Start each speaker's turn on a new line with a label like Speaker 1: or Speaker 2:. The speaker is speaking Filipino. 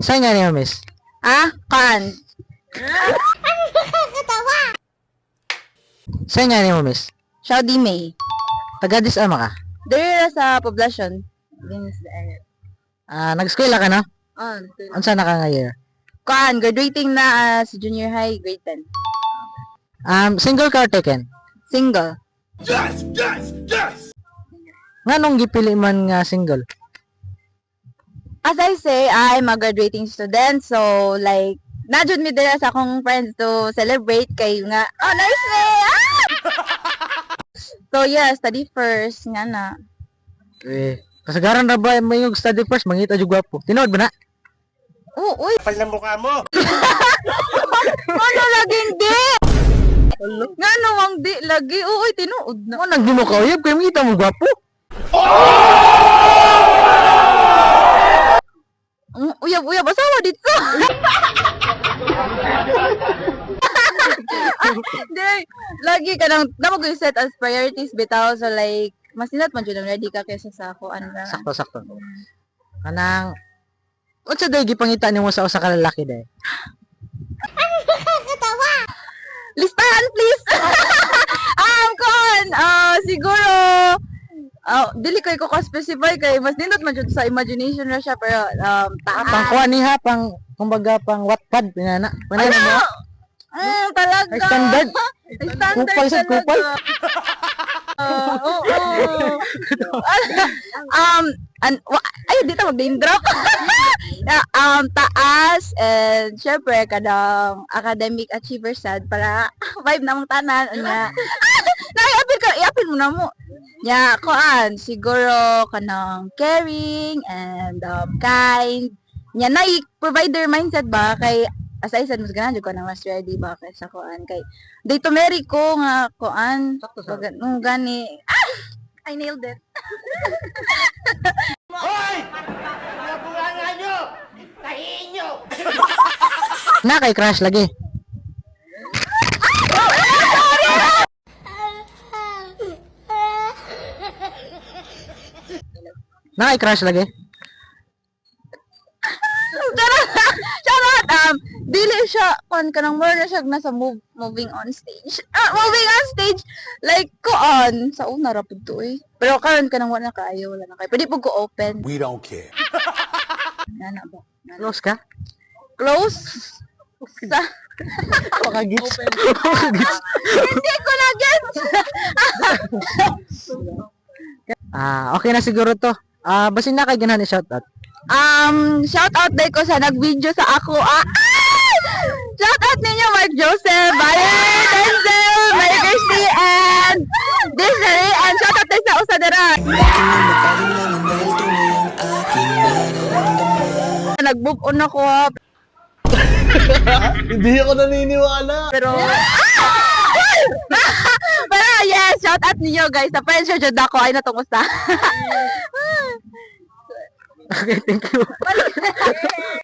Speaker 1: Saan nga niyo, miss?
Speaker 2: Kan.
Speaker 1: Saan nga niyo, miss?
Speaker 2: Saudi May.
Speaker 1: Taga-dis ama ka?
Speaker 2: Dere sa poblasyon. Dinis the area.
Speaker 1: Nag-eskwela ka na? Unsa na ka nga year?
Speaker 2: Kan, graduating na sa junior high, grade 10.
Speaker 1: Single ka or taken?
Speaker 2: Single.
Speaker 1: Nga nung gipili man nga single?
Speaker 2: As I say, I'm a graduating student, so like, najud mi dira sa akong friends to celebrate kay nga, honors me! So yeah, study first, nga na.
Speaker 1: Kasagaran na ba may yung study first, mangita yung gwapo? Tinood ba na?
Speaker 2: Oo, uy!
Speaker 3: Kapal ng mukha mo!
Speaker 2: Ano laging di? Nga nawang di lagi, uy, tinuod na.
Speaker 1: Ano nang di mo kauyab, kaya mangita mo gwapo?
Speaker 2: Uyab-uyab, asawa dito. Di, lagi ka nang, namag set as priorities bitaw, so like, mas ninat man dyan ready ka kaysa sa ako, ano na.
Speaker 1: Sakto. Kanang, unsa day gipangita nimo sa usa ka lalaki day?
Speaker 2: Listahan, please! Siguro, dili kay ko ka-specify kay mas nindot man dyan sa imagination na siya, pero,
Speaker 1: Pang kuha niha, pang, kumbaga, pang Wattpad, pinana. Pinana mo?
Speaker 2: Talaga.
Speaker 1: Ay, standard.
Speaker 2: Standard
Speaker 1: Kupal sa
Speaker 2: talaga.
Speaker 1: kupal.
Speaker 2: Oo. Ay, dito mag-name drop. Taas, and syempre, kadang academic achiever sad para vibe namang tanan. I-appeal mo na mo. Siguro, kanang caring, and kind. Provider mindset ba, kay aside sa mas ganahan ko nang mas ready ba kay sa kuan kay day to marry ko nga kuan gani I nailed it.
Speaker 3: Hoy! Nabunga nyo! Tahiin nyo!
Speaker 1: Na kay crush lagi. Na kay crush lagi.
Speaker 2: Charot! Dili siya, kanang more na siya nasa moving on stage. Moving on stage, like, sa una rapid to eh. Pero karon kanang wala na kaayo, wala na kayo. Pwede po ko open.
Speaker 3: We don't care.
Speaker 2: Nana ba?
Speaker 1: Close ka?
Speaker 2: Close? Sa...
Speaker 1: Makagits.
Speaker 2: Hindi ko na gets!
Speaker 1: Okay na siguro to. Basin na kay ganahan ni shoutout.
Speaker 2: Shout out day ko sa nag-video sa ako. Shout out ninyo Mark Joseph, Valerie, Denzel, Mary Kirsty, and Desiree, and shout out din sa Usadera. Nag-move on ako
Speaker 3: Hindi ako naniniwala.
Speaker 2: pero yes, shout out ninyo guys. Sa friends siya dyan ako ay natumusta.
Speaker 1: Okay, thank you.